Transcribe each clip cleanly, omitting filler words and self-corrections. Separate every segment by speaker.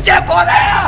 Speaker 1: เจ็บพอแล้ว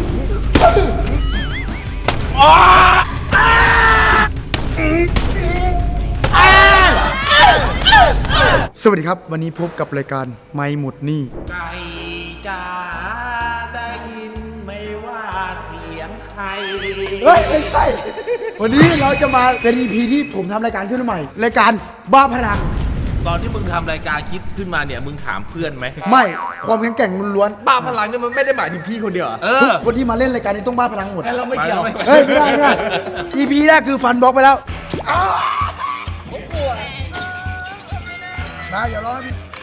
Speaker 2: สวัสดีครับวันนี้พบกับรายการไม่หมดหนี้
Speaker 1: ไก่จ๋าได้ยินไม่ว่าเสียงใคร
Speaker 2: เฮ้ยไม่ใช่วันนี้เราจะมาเป็น EP ที่ผมทำรายการขึ้นมาใหม่รายการบ้าพลัง
Speaker 1: ตอนที่มึงทำรายการคิดขึ้นมาเนี่ยมึงถามเพื่อนไหม
Speaker 2: ไม่ความแข็งแกร่งล้วน
Speaker 3: บ้าพลังเนี่ยมันไม่ได้หมายถึงพี่คนเดียว
Speaker 2: ทุกคนที่มาเล่นรายการนี้ต้องบ้าพลังหมด
Speaker 3: เราไม่เกี่ยว
Speaker 2: เฮ้ยไม่ได้ไม่ได้ EP แรกคือฟันบล็อกไปแล้วผมกลัวนะอย่าร้อง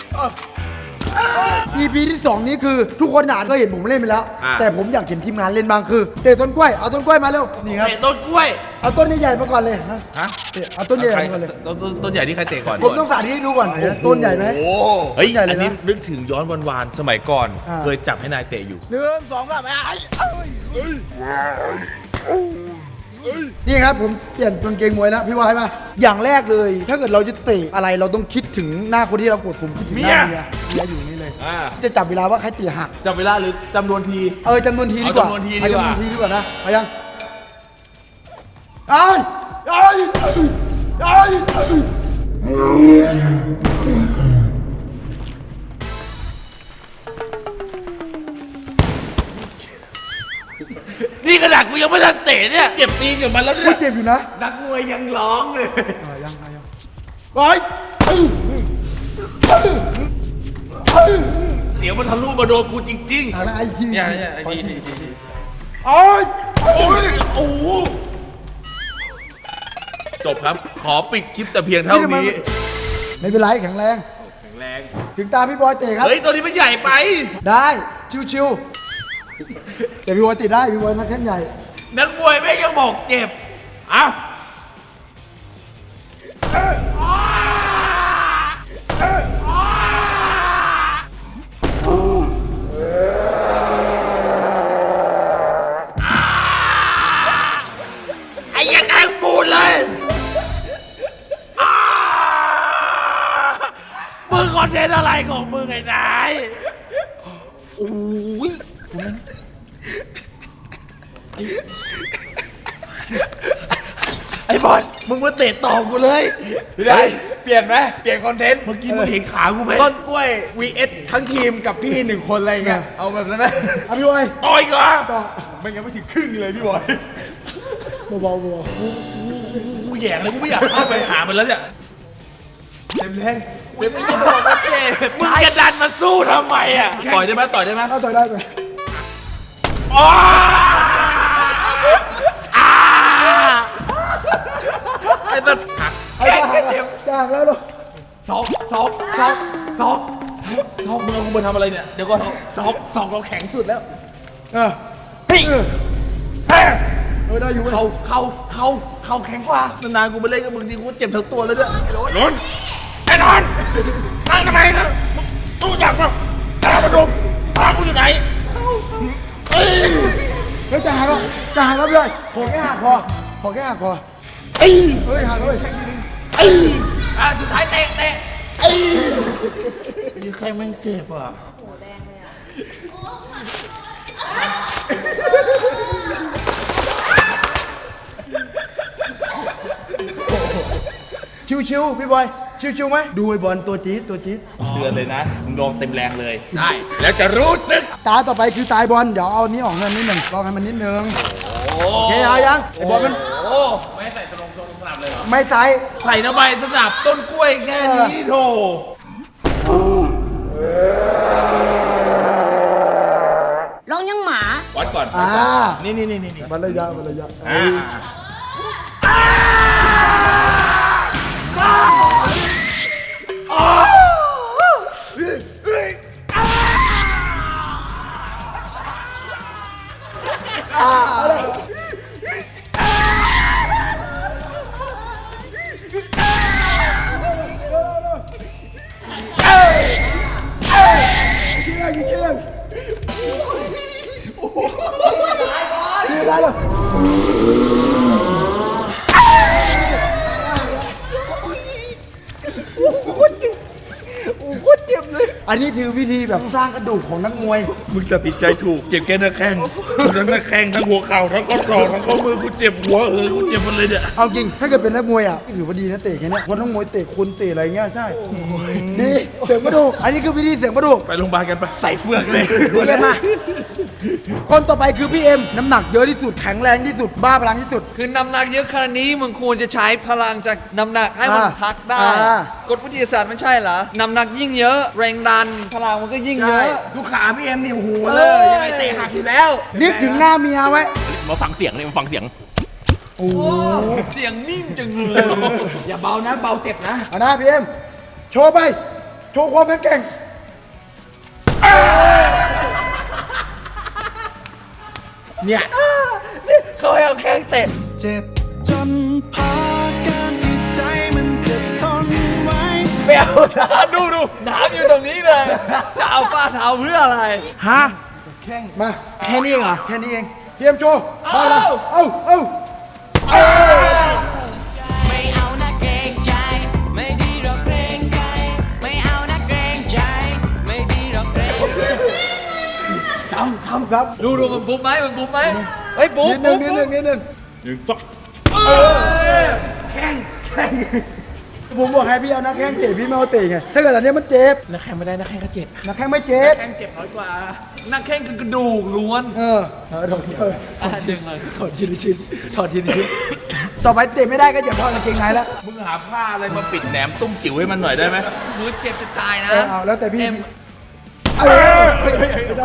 Speaker 2: EP ที่2นี้คือทุกคนอ่านก็เห็นผมเล่นไปแล้วแต่ผมอยากเห็นทีมงานเล่นบ้างคือเตะต้นกล้วยเอาต้นกล้วยมาเร็วนี่ครับ
Speaker 1: เตะต้นกล้วย
Speaker 2: เอาต้นใหญ่ๆมาก่อนเลยฮะเอาต้นใหญ่มาก่อนเลย
Speaker 1: ต้นใหญ่ที่ใครเตะก่อน
Speaker 2: ผมต้องสาธิตให้ดูก่อนต้นใหญ่ไหม
Speaker 1: เฮ้ยอันนี้นึกถึงย้อนวานๆสมัยก่อนเคยจับให้นายเตะอยู่
Speaker 2: 1 2 3นี่ครับผมเปลี่ยนกางเกงมวยแล้วพี่วายมาอย่างแรกเลยถ้าเกิดเราจะเตะอะไรเราต้องคิดถึงหน้าคนที่เรากดผมคิดถึงหน้าเมียอยู่นี่เลยจะจับเวลาว่าใครเตะหัก
Speaker 1: จับเวลาหรือจำนวนที
Speaker 2: จำนวนทีดีกว่า
Speaker 1: จำนวนที
Speaker 2: ดีกว่านะมายัง
Speaker 1: นี่ขนาดกูยังไม่ทันเตะเนี่ยเจ็บตีนกับมันแล้วเนี่ย
Speaker 2: เจ็บอยู่นะ
Speaker 3: นักมวยยังร้องเลย
Speaker 2: ยัง
Speaker 1: เสียงมันทะลุมาโดนกูจริงๆ
Speaker 2: อะไรที
Speaker 1: เนี่ยไอ้ทีโอ้โหจบครับขอปิดคลิปแต่เพียงเท่านี้
Speaker 2: ไม่เป็นไรแข็งแรงถึงตาพี่บอยเตะครับ
Speaker 1: เฮ้ยตัวนี้มันใหญ่ไป
Speaker 2: ได้ชิวๆแต่พี่บอยติดได้พี่บอยนักแข่งใหญ่
Speaker 1: นักมวยไม่ยังบอกเจ็บเอ้าไอ้ยังไงปูดเลยมึงคอนเทนต์อะไรของมึงไอ้นายโอ้ยไอ้บอลมึงมาเตะต่อกูเลย
Speaker 3: ได้เปลี่ยนไหมเปลี่ยนคอนเทนต์
Speaker 1: เมื่อกี้มึงเห็นขากูไหม
Speaker 3: ต้นกล้วย vs ทั้งทีมกับพี่1คนอะไรเงี้ยเอาแบบนั้นไหม
Speaker 2: พี่บอย
Speaker 1: ต่อยก่อน
Speaker 3: ไม่งั้นไม่ถึงครึ่งเลยพี่บอย
Speaker 2: เบา
Speaker 1: กูแย่งเลยกูไม่อยากเข้าไปหามันแล้วเนี่ย
Speaker 3: เต็มแรง
Speaker 1: ไม่บอกว่าเจ็บมึงจะดันมาสู้ทำไมอ่ะต่อยได้ไหมต่อยได้ไหม
Speaker 2: ต่อยได้เลย
Speaker 1: ไอ้ต้นหัก
Speaker 2: จะหักแล้วลูก
Speaker 1: ซอกมึงเอากูมาทำอะไรเนี่ยเดี๋ยวก่อน
Speaker 3: ซอกเราแข็งสุดแล้ว
Speaker 2: ได้อยู่
Speaker 1: เขาแข็งกว่านานๆกูไปเล่นกับมึงจริงกูเจ็บทั้งตัวเลยด้วยล้นไอ้นอนนั่งทำไมนะตู้จับป่ะตาประดมตากูอยู่ไหน
Speaker 2: เฮ้ยจะหักแล้วพี่บอยขอแค่หักพอเฮ้ยหักเลย
Speaker 1: สุดท้ายเตะยังใครมันเจ็บอ่ะ
Speaker 4: โหแดงเลยอ่ะ
Speaker 2: ชิวๆพี่บอยชิวๆไหมดูไอ้บอลตัวจี๊ด
Speaker 1: เตือนเลยนะมึงลองเต็มแรงเลยได้แล้วจะรู้สึก
Speaker 2: ตาต่อไปคือตายบอลเดี๋ยวเอานี้ออกเงินนิดหนึ่งลองให้มันนิดนึงโอเคยังไอ้บอลมัน
Speaker 1: ไม่ใส่ตรงสนับเลยเหรอ
Speaker 2: ไม่ใส่
Speaker 1: น้ำใบสนับต้นกล้วยแค่นี้โถ
Speaker 4: ร้องยังหมา
Speaker 1: วัดก่อนนี่
Speaker 2: บรรยายได้เลยอันนี้คือวิธีแบบสร้างกระดูกของนักมวย
Speaker 1: มึงตัดสินใจถูกเจ็บแค่หน้าแข้งทั้งหน้าแข้งทั้งหัวเข่าทั้งข้อศอกทั้งข้อมือกูเจ็บหัวกูเจ็บหมดเลยเนี่ย
Speaker 2: เอาจริงถ้าเกิดเป็นนักมวยอ่ะถือว่าดีนะเตะแค่เนี้ยคนนักมวยเตะคนเตะอะไรเงี้ยใช่ดีเสริมกระดูกอันนี้คือวิธีเสริมกระดูก
Speaker 1: ไปโรงพยาบาลกันไปใส่เฟือกเลย
Speaker 2: โอเคมาคนต่อไปคือพี่เอ็มน้ำหนักเยอะที่สุดแข็งแรงที่สุดบ้าพลังที่สุด
Speaker 3: คือน้ำหนักเยอะขนาดนี้มึงควรจะใช้พลังจากน้ำหนักให้มันพักได้ กฎวิทยาศาสตร์ไม่ใช่เหรอ น้ำหนักยิ่งเยอะ แรงดันพลังมันก็ยิ่งเยอะ
Speaker 1: ลูกขาพี่เอ็มนี่โอ้โหเลยยังไงเตะหักอยู่แล้ว
Speaker 2: นึกถึงหน้าเมียไว้
Speaker 1: มาฟังเสียงเลยมาฟังเสียง
Speaker 3: เสียงนิ่มจังเลย
Speaker 1: อย่าเบานะเบาเจ็บนะ
Speaker 2: เอานะพี่เอ็มโชว์ไปโชว์ความแข็งแกร่ง
Speaker 1: เนี่ยเขาให้เอาแข้งเตะ
Speaker 5: เจ็บจนพอการที่ใจมันจะทนไว้
Speaker 3: ดูน้ำอยู่ตรงนี้เลย จะเอาฝ้าเท้าเพื่ออะไร
Speaker 1: ฮะ
Speaker 2: มา
Speaker 1: แค่นี้เหรอ
Speaker 2: แค่นี้เองพี่เอ็มโชว์มาเลยเอา
Speaker 5: ไม่เอานะเกรงใจ ไม่ดีหรอกเกรงใจ ไม่เอานะเกรงใจ ไม่ดีหรอกเกรงใจ
Speaker 2: ซ้ำครับ
Speaker 3: ดูมันปุ๊บไหมเฮ้ยปุ๊บ
Speaker 2: นิดนึง
Speaker 3: ปุ๊บ
Speaker 2: นิดนึง
Speaker 1: หนึ่งสอง
Speaker 2: แข้งผมบอกให้พี่เอานักแข้งเตะพี่ไม่เอาเตะไงถ้าเกิดอันเนี้ยมันเจ็บ
Speaker 1: นักแข้งไม่ได้นักแข้งก็เจ็บ
Speaker 2: นักแข้งไม่เจ็บ
Speaker 3: แข้งเจ็บน้อยกว่า นักแข้งคือกระดูกล้วน
Speaker 2: ถอด
Speaker 3: ดึงเลย
Speaker 2: ทีละชิ้นถอดทีละชิ้นต่อไปเตะไม่ได้ก็อย่าถอดกางเกงในแล้ว
Speaker 1: มึงหาผ้าอะไรมาปิดแหนมตุ้มจิ๋วให้มันหน่อยได้ไหม
Speaker 3: มือเจ็บจะตายนะ
Speaker 2: เอาแล้วแต่พี่
Speaker 3: เอ็ม
Speaker 2: ไม่ได้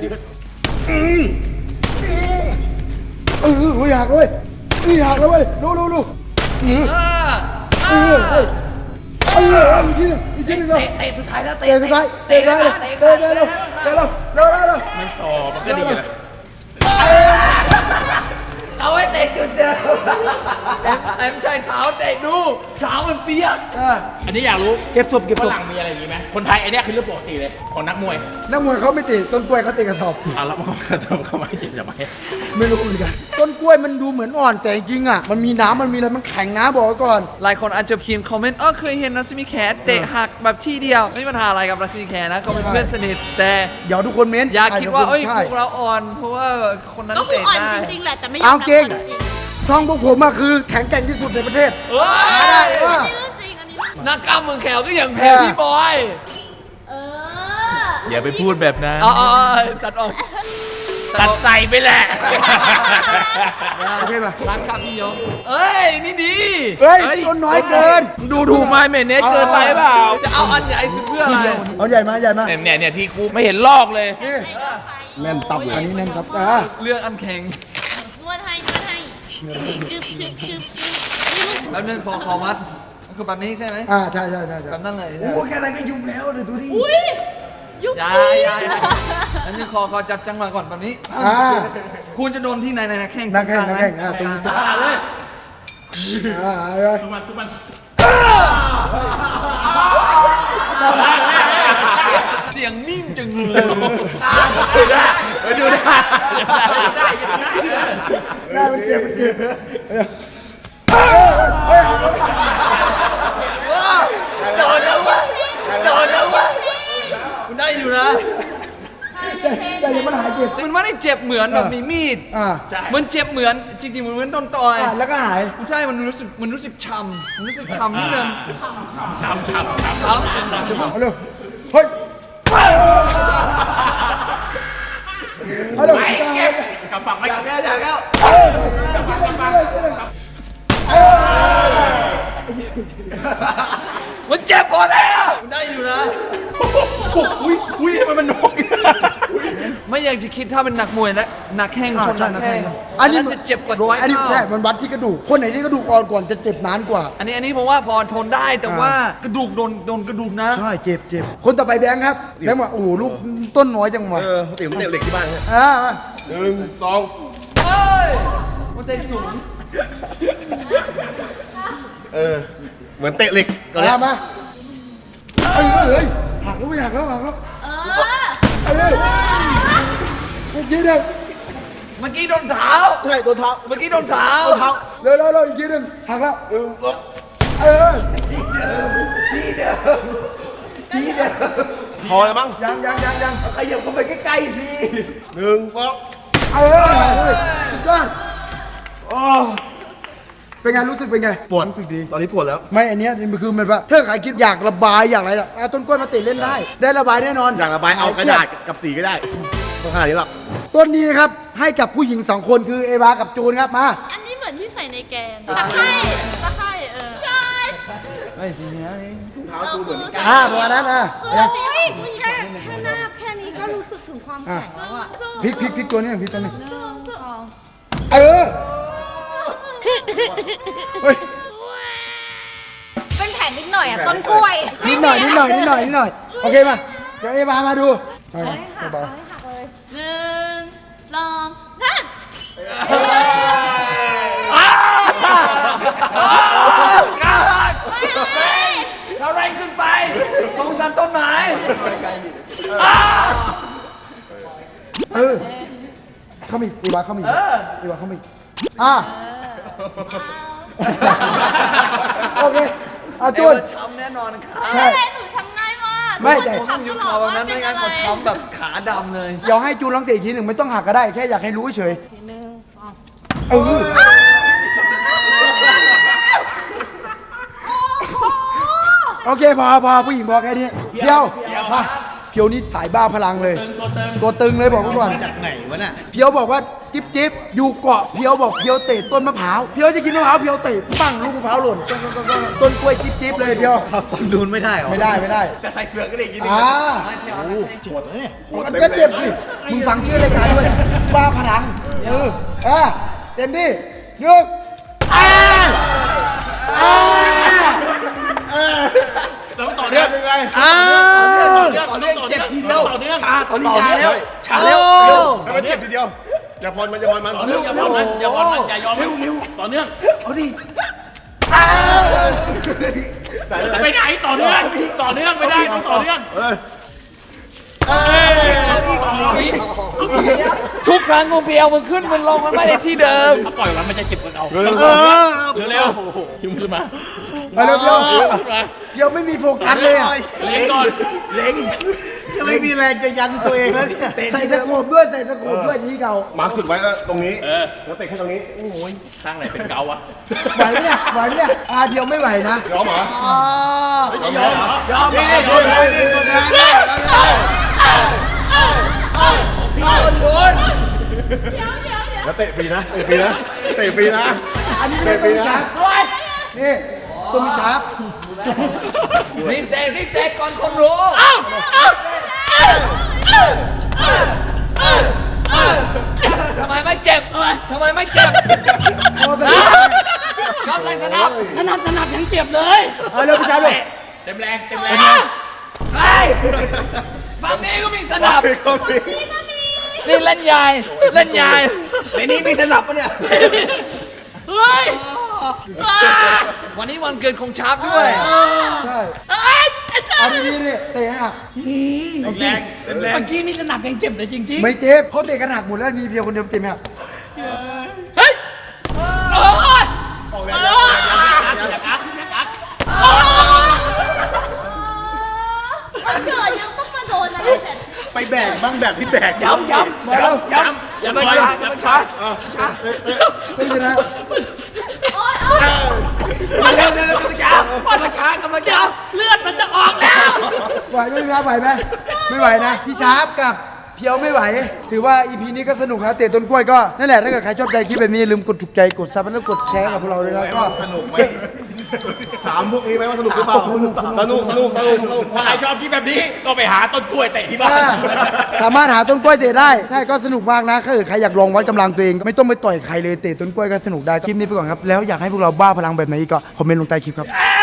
Speaker 2: หักเลยหักแล้วเว้ยรู้อีกทีนึงเนาะ
Speaker 3: เตะสุดท้ายแล้ว
Speaker 2: เตะสุดท้ายเตะแล้ว
Speaker 1: มันสอบมันก็ดีนะ
Speaker 3: เอาไว้เตะจุดเดิมเอ็มใช้เท้าเตะดูเท้ามันเปียก
Speaker 1: อันนี้อยากรู้
Speaker 2: เก็บศพ
Speaker 1: ฝรั่งมีอะไรอย่างนี้ไหมคนไทยไอ้นี่คือเรื่องปกติเลยของนักมวย
Speaker 2: นักมวยเขาไม่เตะต้นกล้วยเขาเตะกระสอบ
Speaker 1: อ่ะแล้วมันเข้ามาเจ็บจะไป
Speaker 2: ไม่รู้เหมือนกันต้นกล้วยมันดูเหมือนอ่อนแต่จริงอ่ะมันมีน้ำมันมีอะไรมันแข็งนะบอกไว้ก่อน
Speaker 3: หลายคนอาจจะเขียนคอมเมนต์เคยเห็นรัศมีแขเตะหักแบบที่เดียวไม่มีปัญหาอะไรกับรัศมีแขนะเขาเป็นเพื่อนสนิทแต่
Speaker 2: เดี๋ยวทุกคนเม้น
Speaker 3: อย่าคิดว่าเอ้ย
Speaker 2: ใช่
Speaker 3: พวกเราอ่อนเพราะว่าคนนั้น
Speaker 4: ก็คือ
Speaker 3: เตะ
Speaker 4: อ่อน
Speaker 3: ได้
Speaker 4: จริงๆแหละแต่ไม่ยอ
Speaker 2: เอา
Speaker 4: มรับ
Speaker 2: จริง
Speaker 4: ความจริง
Speaker 2: ช่องพวกผมอะคือแข็งแกร่งที่สุดในประเทศ
Speaker 3: เอ้
Speaker 2: ได้
Speaker 3: ย
Speaker 2: ว่า
Speaker 4: อันนี้เรื่องจริงอันนี้เรื่อง
Speaker 3: นักกล้ามเมืองแขวก็ยังแพ้พี่บอย
Speaker 4: เออ
Speaker 1: อย่าไปพูดแบบนั้น
Speaker 3: ตัดออก
Speaker 1: ตัดใส่ไปแหละ
Speaker 2: โอเคป่ะ
Speaker 3: ร้านครับพี่ยงเอ้ยนี่ดี
Speaker 2: เฮ้ยต้นน้อยเกิน
Speaker 1: ดูถูกไหมเมเนสเกินไปเปล่า
Speaker 3: จะเอาอันใหญ่สุดเพื่ออะไร
Speaker 2: เอาใหญ่มาใหญ่มา
Speaker 1: เนี่ยที่กูไม่เห็นลอกเลย
Speaker 2: แน่นตับอันนี้แน่นครับ
Speaker 3: เรื่องอันแข็ง
Speaker 4: นวดให้ชึบนี่ลูก
Speaker 3: แล้วนึงขอมัดคือแบบนี้ใช่ไหม
Speaker 2: ใช่
Speaker 3: แบบนั้นเลย
Speaker 2: โอ้แค่นั้นก็ยุ่งแล้วเดี๋ยวดูดิ
Speaker 4: อุ้ยยุบ
Speaker 3: ยาอันนี้ขอจับจังหวะก่อนแบบนี้ คุณจะโดนที่ไหนนะแข้ง
Speaker 2: นักแข่งตรงนี้เลย
Speaker 3: เสียงนิ่มจังเลย
Speaker 1: ดูได้
Speaker 2: ได้มันเจ็บ
Speaker 3: คุณได้อยู่นะ
Speaker 2: แต่ยังมันหายเจ็บ
Speaker 3: มันไม่ได้เจ็บเหมือนแบบมีมีด มันเจ็บเหมือนจริงๆมันเหมือนโดนต่อย
Speaker 2: แล้วก็หาย
Speaker 3: ไม่ใช่มันรู้สึกช้ำมันรู้สึกช้ำนิดนึง
Speaker 1: ช้ำ
Speaker 2: เอาเร็วเฮ้ยเอาเร็ว
Speaker 1: กับฝั่งไม่กับแก้จากแล้ว
Speaker 3: มันเจ็บพอแล้วมันได้อยู่นะ
Speaker 1: อุ้ยทำไมมันน้อย
Speaker 3: ไม่อยากจะคิดถ้าเป็นนักมวยและนักแข้งชนนักแข้ง
Speaker 2: อันนี้
Speaker 3: จะเจ็บกว่าร้อย
Speaker 2: อันนี้
Speaker 3: เท่า
Speaker 2: แค่มันวัดที่กระดูกคนไหนที่กระดูกอ่อนก่อนจะเจ็บนานกว่า
Speaker 3: อันนี้ผมว่าพอทนได้แต่ว่ากระดูกโดนกระดูกนะ
Speaker 2: ใช่เจ็บคนต่อไปแบงค์ครับแบงค์บอกโอ้โหลูกต้นน้อยจังวะ
Speaker 1: ติ๋มเตะเหล็กที่บ้านเนี่ย
Speaker 2: มา
Speaker 1: 1 2
Speaker 3: เฮ้ยมันใจสูง
Speaker 1: เหมือนเตะเหล็กก่อนเนี่ย
Speaker 2: มาเอ้ยหักแล้วไม่หักแล้ว
Speaker 4: เออ
Speaker 2: อีกทีหนึ่ง
Speaker 3: เมื่อกี้โดนเท้า
Speaker 2: ใช่ตัวเท้า
Speaker 3: เมื่อกี้โดนเท้า
Speaker 2: เร็วอีกทีหนึ่งหักแล้วทีเดิม
Speaker 1: พอแล้วมั้ง
Speaker 2: ยัง
Speaker 1: ขยับเข้าไปใกล้ๆสิหนึ่งสอง
Speaker 2: สุดยอดเป็นไงรู้สึกเป็นไง
Speaker 1: ปวดรู้สึกดี ตอนนี้ปวดแล้ว
Speaker 2: ไม่อันเนี้ยมันคือมันว่าถ้าใครคิดอยากระบายอยากอะไรล่ะเอาต้นกล้วยมาติดเล่นได้ ได้ระบายแน่นอน
Speaker 1: อยากระบายเอากระดาษกับสีก็ได้ต้องขนาดนี้หรอก
Speaker 2: ต้นนี้ครับให้กับผู้หญิง2คนคือเอวากับจูนครับมา
Speaker 4: อันนี้เหมือนที่ใส่ในแกงตะไคร่ใช่
Speaker 2: ประมาณนั้น
Speaker 6: แค่หน้าแค่นี้ก็รู้สึกถึงความแข็งแล้วอะ
Speaker 2: พลิกตัวนี้พลิกตัวนี้
Speaker 6: 1 2
Speaker 2: เออเฮ้ย
Speaker 6: เป็นแผลนิดหน่อยอะต้นกล้วย
Speaker 2: นิดหน่อยโอเคมาเดี๋ยวเอวามาดูเบา
Speaker 4: หนึ่งสองสาม
Speaker 3: เราแรงขึ้นไปสงสารต้นไม้
Speaker 2: เออเข้ามาอีกเอวาเข้ามาอีกเอวาเข้ามาอีกโอเคจูน
Speaker 3: ช้ำแน่นอนครับ
Speaker 2: ใช่
Speaker 4: แต่หนูช้ำง่ายมาก
Speaker 2: ไม่แต่
Speaker 3: ผมต้องยุบเขาแบบนั้นไม่งั้นเขาช้ำแบบขาดำเลย
Speaker 2: เดี๋ยวให้จูนลองเตะอีกทีหนึ่งไม่ต้องหักก็ได้แค่อยากให้รู้เฉย เออโอเคพอผู้หญิงพอแค่นี้เพียวมาเพียวนี่สายบ้าพลังเลย ตัวตึงเลยบอกไว้ก่อน
Speaker 1: จากไหนวะน่ะ
Speaker 2: เพียวบอกว่าจิ๊บอยู่เกาะเพียวบอกเพียวเตะต้นมะพร้าวเพียวจะกินมะพร้าวเพียวเตะปั้งลูกมะพร้าวหล่นต้นกล้วยจิ๊บเลยเพียว
Speaker 1: ต้นนูนไม่ได้หรอ
Speaker 2: ไม่ได้
Speaker 3: จะใส่เฟือกก็ได้กิน
Speaker 1: ปวดเลยเนี่ย
Speaker 2: มันก็เจ็บสิมึงฟังชื่อรายการด้วยบ้าพลังเต็มที่หนึ่ง
Speaker 1: ต้องต่อเนื่องยังไง
Speaker 3: ต่อเนื่องเจ็บทีเดียวต่อเนื่องตอนนี้ชา
Speaker 1: เร็วให้มันเจ็บทีเดียว อย่าพรมัน
Speaker 3: ต่อเนื่องอย่าผ่อนมันอย่ายอมเร็วต่อเนื่อง
Speaker 2: เอาดิ
Speaker 3: ไปไหนต่อเนื่องไม่ได้ต้องต่อเนื่องทุกครั้งงูเปียวมันขึ้นมันลงมันไม่ได้ที่เดิมถ้าปล่อยมันจะเจ็บกว่าเราเร็วยุ่งขึ้นมา
Speaker 2: เร็วเดี๋ยวไม่มีโฟกัสเลยอ่ะ
Speaker 3: เล็งก่อน
Speaker 1: จะไม่มีแรงจะยันตัวเองแล้วเนี่ย
Speaker 2: ใส่ตะโขบด้วยที่เก่า
Speaker 1: มาร์คจุดไว้ก็ตรงนี้แล้วเตะแค่ตรงนี้
Speaker 3: สร้างไหนเป็นเกาวะ
Speaker 2: ไหวไหมเนี่ยเดียวไม่ไหวนะ
Speaker 1: ยอมเหรอย
Speaker 3: อมเลย
Speaker 1: แล้วเตะฟรีนะเตะฟรีนะ
Speaker 2: อันนี้ไม่ต้องมีชาร์ปนี่ต้องมีชาร์ป
Speaker 3: รีบเตะก่อนคนรู้ทำไมไม่เจ็บเขาใส่สนับยังเจ็บเลย
Speaker 2: เอาเร็วพี่ชาร์ปเลย
Speaker 3: เต็มแรงไปฝั่งนี้ก็มีสนับนี่เล่นใหญ่ในนี้มีสนับปะเนี่ยเฮ้ยวันนี้วันเกิดของชาร์ปด้วย
Speaker 2: ใช่เอาดีๆนี่เตะหัก
Speaker 3: แรงเมื่อกี้มีสนับยังเจ็บเลยจริง
Speaker 2: ไม่เจ็บเขาเตะกันหักหมดแล้วมีเพียวคนเดียวเตะไม่หัก
Speaker 3: เฮ้ย
Speaker 1: ออกแรง
Speaker 4: มันเกิดยังต้องมาโดนอะไรแบบ
Speaker 1: ไปแบกบ้างแบบที่แบกย้ำ
Speaker 2: มาแล้ว
Speaker 3: อย่ามาช้า
Speaker 2: ต้องชนะ
Speaker 3: มาเร็วกำลังช้เลือดมันจะออกแล้ว
Speaker 2: ไหวไหมพี่ชาร์ปไหวไหมไม่ไหวนะพี่ชาร์ปกับเพียวไม่ไหว ถือว่า EP นี้ก็สนุกนะเตะต้นกล้วยก็นั่นแหละถ้าเกิดใครชอบใจคลิปแบบนี้อย่าลืมกดถูกใจกดซับแล้วกดแชร์กับพวกเราด้วยนะก็
Speaker 1: สนุกไหมถามพวกนี้ไหมว่าสนุกหรือเปล่าสนุกถ้าใครชอบคลิปแบบนี้ก็ไปหาต้นกล้วยเตะที่บ้าน
Speaker 2: สามารถหาต้นกล้วยเตะได้ใช่ก็สนุกมากนะถ้าเกิดใครอยากลองวัดกำลังตัวเองไม่ต้องไปต่อยใครเลยเตะต้นกล้วยก็สนุกได้คลิปนี้ไปก่อนครับแล้วอยากให้พวกเราบ้าพลังแบบไหนอีกก็คอมเมนต์ลงใต้คลิปครับ